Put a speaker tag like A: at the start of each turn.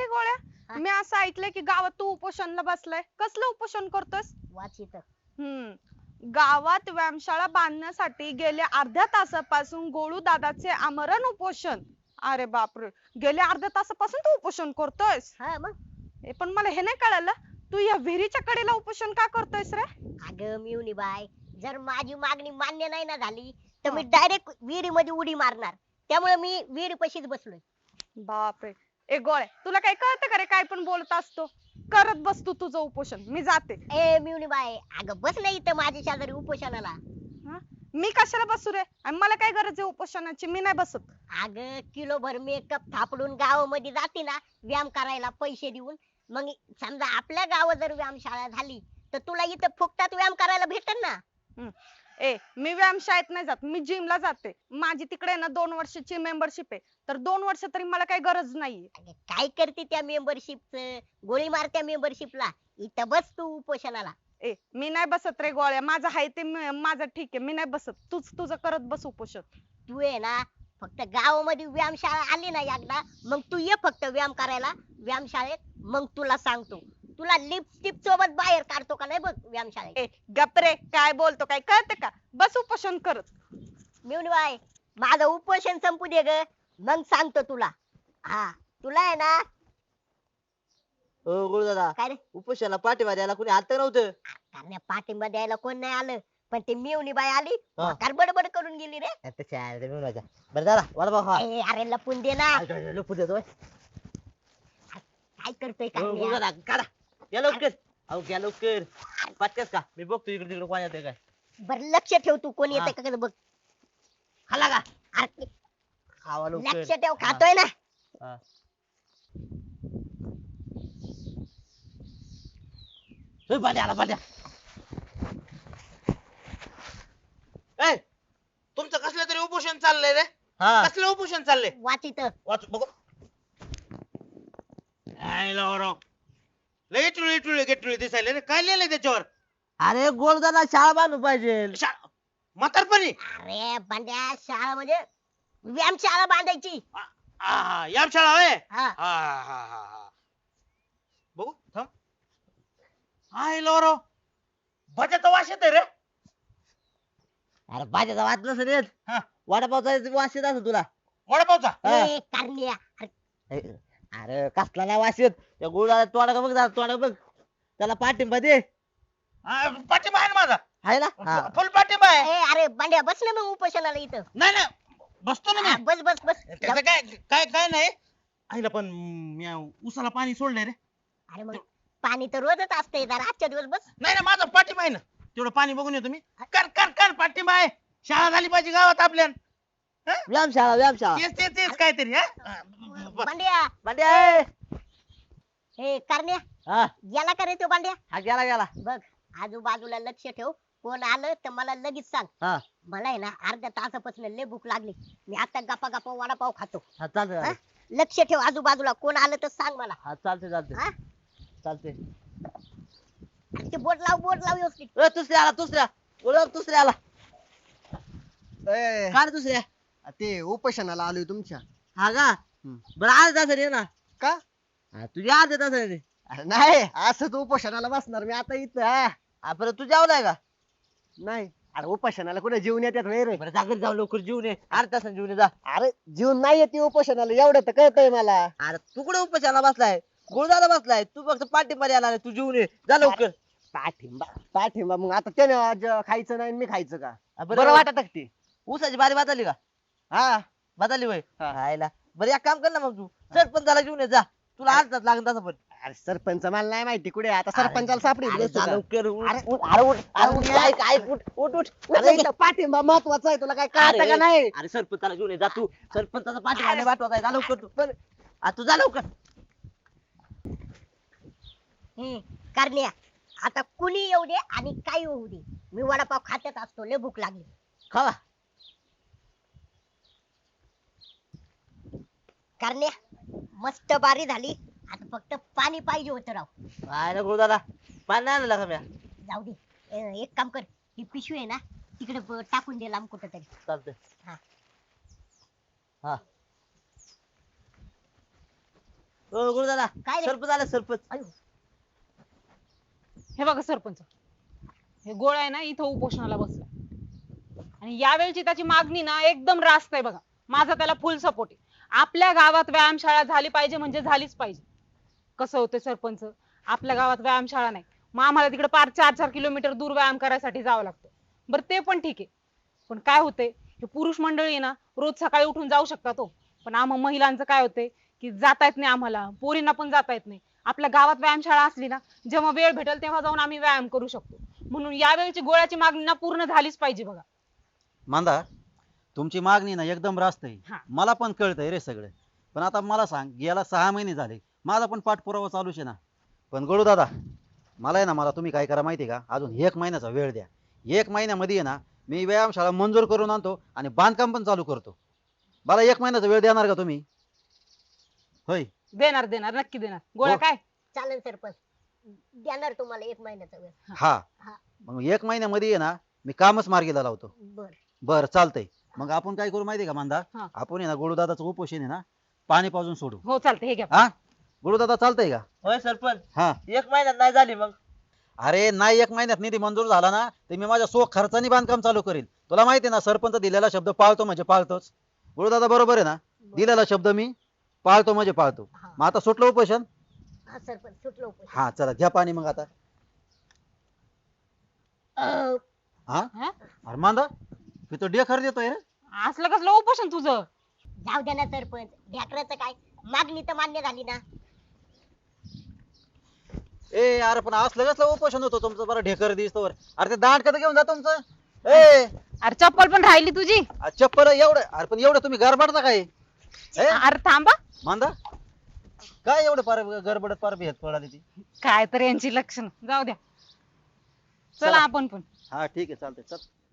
A: की गोळ्या,
B: हा?
A: मी असं ऐकलंय की गावात तू उपोषणला बसलाय. कसलं उपोषण करतोयस?
B: वाचित.
A: गावात व्यायामशाळा बांधण्यासाठी गेल्या अर्ध्या तासापासून गोळू दादाचे आमरण उपोषण. अरे बापरे, गेल्या अर्ध्या तासापासून तू उपोषण करतोयस?
B: हा मग.
A: पण मला हे नाही कळलं, तू या विहिरीच्या कडेला उपोषण का करतोयस रे?
B: अगं मिवनी बाय, जर माझी मागणी मान्य नाही ना झाली तर
A: हा.
B: मी डायरेक्ट विहिरीमध्ये उडी मारणार. त्यामुळे मी विहिरी पशीच बसलोय.
A: बापरे, ए गोळ्या, तुला काय कळतं का रे? काय पण बोलत असतो. करत बस तू तुझं उपोषण, मी जाते.
B: ए मिवनी बाय, अगं बस नाही इथं माझ्या शेजारी उपोषणाला.
A: हा? मी कशाला बसू रे? आणि मला काय गरज आहे उपोषणाची? मी नाही बसत.
B: अगं किलोभर मेकअप थापडून गावामध्ये जाते ना व्यायाम करायला पैसे देऊन. मग समजा आपल्या गावात जर व्यायामशाळा झाली तर तुला इथं फुकटात व्यायाम करायला भेटेल ना.
A: ए, मी व्यायामशाळेत नाही जात, मी जिमला जाते. माझी तिकडे ना 2 वर्षाची मेंबरशिप आहे. तर 2 वर्ष तरी मला काही गरज नाहीये.
B: अगं, काय करते त्या मेंबरशिपच? गोळी मार त्या मेंबरशिपला. इथं बस तू उपोषणाला.
A: ए, मी नाही बसत रे गोळ्या, माझं आहे ते माझं ठीक आहे, मी नाही बसत. तूच तुझं करत बस उपोषण.
B: तू आहे ना, फक्त गावामध्ये व्यायामशाळा आली ना एकदा, मग तू ये फक्त व्यायाम करायला व्यायामशाळेत. मग तुला सांगतो, तुला लिपस्टिप सोबत बाहेर काढतो का नाही बघ व्यायामशाळेत.
A: ए गप रे, काय बोलतो काय कळतं का? बस उपोषण करत.
B: मिळून बाय, माझं उपोषण संपू दे ग, मग सांगतो तुला. हा, तुला आहे ना.
C: हो गुरुदादा,
B: काय रे?
C: उपोषणाला पाठिंबा द्यायला कोणी आलं नव्हतं.
B: कारण पाठिंबा द्यायला कोण नाही आलं, पण ते मिवणी बाई आली,
C: हा.
B: म्हातार बडबड करून गेली रे.
C: बरं दादा, वडापाव खा.
B: ए, अरे लपून दे ना.
C: लपू देतोय.
B: काय करतोय
C: हो,
B: काय
C: गुरुदादा, काढा. या लवकर. अहो घ्या लवकर. पाटक्यास का? मी बघतो इकडे तिकडे कोण येतंय काय.
B: बर लक्ष ठेव, तू कोण येते
C: हा.
B: का बघ. खाला का? अरे,
C: खावा लवकर.
B: लक्ष ठेव, खातोय ना.
C: हा. होय, पाट्या आला पाट्या.
D: ए, तुमचं कसलं तरी उपोषण चाललंय रे.
C: हा.
D: कसलं उपोषण चाललंय?
B: वाचित.
D: वाच बघू. काय लावराव, लय इटुळी इटुळी गेटुळी दिसायले रे. काय लिहिलंय त्याच्यावर?
C: अरे गुरुदादा, शाळा बांधू पाहिजे.
D: म्हातारपणी
B: अरे बंड्या, शाळा म्हणजे व्यायामशाळा बांधायची.
D: या शाळा होय.
B: हा.
D: हा. बघू थांब. हाय लावराव, भजाचा वास येतोय रे.
C: अरे भाज्याचा वाद नसेल येत.
D: हा.
C: वडापावचा वास येत असं तुला.
D: वडापावचा.
C: हा.
B: ए, कारण्या. अरे,
C: अरे कसला नाही वास येत. त्या गुरुदादा तोंडा बघ जरा, तोंडा बघ. त्याला पाठिंबा दे.
D: पाठिंबा आहे ना माझा.
C: आहे ना. हा.
D: फुल पाठिंबा आहे.
B: ए, अरे बंड्या, बस ना मग उपोषणाला इथं.
D: नाही बसतो ना
B: हा,
D: मी.
B: बस बस बस.
D: त्याचं काय काय काय नाही. आईला पण मी उसाला पाणी सोडलंय रे.
B: अरे मग पाणी तर रोजच असतंय, जरा आजच्या दिवस बस.
D: नाही माझा पाठिंबा आहे ना. तेवढं पाणी बघून येतो मी. कर पाठिंबा आहे. शाळा झाली पाहिजे गावात आपल्या.
C: व्यायामशाळा व्यायामशाळा.
D: तेच काहीतरी.
B: बंड्या.
C: भांड्या.
B: हे कारण्या,
C: हा.
B: याला का रे तो बंड्या?
C: हा गेला गेला.
B: बघ, आजूबाजूला लक्ष ठेव. कोण आलं तर मला लगेच सांग.
C: हा.
B: मला आहे ना अर्ध्या तासापासून लय भूक लागली. मी आता गप्पा गप्पा वडापाव खातो.
C: हा चालतंय
B: हा?
C: चालतंय.
B: लक्ष ठेव, आजूबाजूला कोण आलं तर सांग मला.
C: हा चालतंय
B: हा?
C: चालतंय. चालतंय.
B: आणि ते बोट लाव व्यवस्थित.
C: दुसऱ्या आला दुसऱ्या. ओळख दुसऱ्या आला.
E: ए,
C: काय रे दुसऱ्या?
E: ते उपोषणाला आलोय तुमच्या.
C: हा का? बरं अर्ध्या तासाने ये ना.
E: का?
C: हा, तुझ्या अर्ध्या तासाने.
E: अरे नाही, असंच उपोषणाला बसणार मी आता इथं.
C: हा, बरं तू जेवलाय का?
E: नाही, अरे उपोषणाला कुठे जीवन येतात होय रे.
C: बरं जागर जाऊ लवकर जीवन ये. अर्ध्या तासाने जीवन ये जा.
E: अरे जीवन नाही येते उपोषणाला, एवढं तर कळतंय मला.
C: अरे तू कुठे उपचाराला बसलाय? गुरुदादा बसलाय. तू फक्त पाठिंबा द्यायला आलाय. तू जीवन ये जा लवकर.
E: पाठिंबा मग आता त्याने आज खायचं नाही आणि मी खायचं का?
C: हा,
E: बरं वाटत ते.
C: ऊसाची बारी बदलली का?
E: हा.
C: बदलली होय.
E: हा.
C: खायला बरं एक काम कर ना मग तू सरपंचाला घेऊन ये जा. तुला अर्धाच लागेल तसं पण.
E: अरे सरपंच मला नाही माहिती कुठे आहे. आता सरपंचाला सापडी
C: अरे जा लवकर. उठ.
E: अरे,
C: अरे उठ. अरे उठ. ऐक ऐक उठ उठ उठ.
E: अरे इथं पाठिंबा महत्वाचा आहे, तुला काय कळतं का नाही?
C: अरे सरपंचाला घेऊन ये जा तू. सरपंचाचा पाठिंबा नाही पाठवायचा आहे. जा लवकर तू. तू जा लवकर.
B: कारण्या, आता कुणी येऊ दे आणि काही होऊ दे, मी वडापाव खातच असतो. लय भूक लागली.
C: खावा.
B: कारण्या, मस्त बारी झाली. आता फक्त पाणी पाहिजे होतं राव.
C: काय ना गुरुदादा, पाणी नाही आणलं का म्या?
B: जाऊ दे. एक काम कर, ही पिशवी आहे ना तिकडे टाकून दे लांब कुठं तरी.
C: चालतंय.
B: हा.
C: हा. हो गुरु दादा
B: काय रे?
C: सरपंच आला सरपंच.
B: अयो,
F: हे बघा सरपंच, हे गोळ्या आहे ना इथं उपोषणाला बसला आणि यावेळची त्याची मागणी ना एकदम रास्त आहे बघा. माझा त्याला फुल सपोर्ट आहे. आपल्या गावात व्यायामशाळा झाली पाहिजे म्हणजे झालीच पाहिजे. कसं होतं सरपंच, आपल्या गावात व्यायामशाळा नाही, मग आम्हाला तिकडे 4-4 किलोमीटर दूर व्यायाम करायसाठी जावं लागतं. बरं ते पण ठीक आहे, पण काय होतंय, हे पुरुष मंडळी आहे ना रोज सकाळी उठून जाऊ शकतात हो, पण आम्हा महिलांचं काय होतंय की जाता येत नाही, आम्हाला पोरींना पण जाता येत नाही. आपल्या गावात व्यायामशाळा असली ना, जेव्हा वेळ भेटेल तेव्हा जाऊन आम्ही व्यायाम करू शकतो. म्हणून यावेळची गोळ्याची मागणी ना पूर्ण झालीच पाहिजे बघा.
G: मांदा, तुमची मागणी ना एकदम रास्त आहे.
F: हा.
G: मला पण कळतंय रे सगळं. पण आता मला सांग, गेला 6 महिने झाले, माझा पण पाठपुरावा चालूच आहे ना. पण गळू दादा, मला आहे ना, मला तुम्ही काय करा माहिती आहे का, अजून 1 महिन्याचा वेळ द्या. 1 महिन्यामध्ये आहे ना, मी व्यायामशाळा मंजूर करून आणतो आणि बांधकाम पण चालू करतो. मला 1 महिन्याचा वेळ देणार का तुम्ही? होय.
F: देणार देणार नक्की देणार. गोळ्या
G: हो.
F: काय
B: चालेल सरपंच, देणार तुम्हाला 1 महिन्याचा वेळ.
G: हा.
B: हा.
G: मग 1 महिन्यामध्ये आहे ना, मी कामच मार्गीला लावतो.
B: बर
G: बरं चालतंय. मग आपण काय करू माहिती आहे का मांदा,
F: हा.
G: आपण आहे ना गोळूदादाचं उपोषण आहे ना पाणी पाजून सोडू.
F: हो चालतंय, हे घ्या.
G: हा, गोळूदादा चालतंय का?
C: होय सरपंच
G: हा.
C: 1 महिन्यात नाही झाली मग.
G: अरे नाही, 1 महिन्यात निधी मंजूर झाला ना, तर मी माझ्या सो खर्चानी बांधकाम चालू करीन. तुला माहिती आहे ना, सरपंच दिलेला शब्द पाळतो म्हणजे पाळतोच. गुरुदादा बरोबर आहे ना, दिलेला शब्द मी पाळतो म्हणजे पाळतो.
B: हा.
G: मग आता सुटलं उपोषण.
B: हा सरपंच सुटलो उपोषण.
G: हा चला घ्या पाणी मग आता.
B: अं,
G: हा,
F: हा?
G: अरे मांदा, मी तो डेखर देतोय रे.
F: असलं कसलं उपोषण तुझं?
B: जाऊ द्या ना सरपंच, ढ्याकराचं काय, मागणी तर मान्य झाली ना.
G: ए अरे पण असलं कसलं उपोषण होतं तुमचं, बरं ढेकर दिसतोवर. अरे ते दांड कधी घेऊन जा तुमचं. ए
F: अरे चप्पल पण राहिली तुझी.
G: चप्पल एवढं, अरे पण एवढं तुम्ही गरबाडता काय? ए
F: अरे थांबा,
G: मांदा, काय एवढं पार गडबडत पार भेट पडाली ती.
F: काय तर यांची लक्षण. जाऊ द्या, चला
G: चला.
F: आपण पण.
G: हा ठीक आहे चालतंय चल.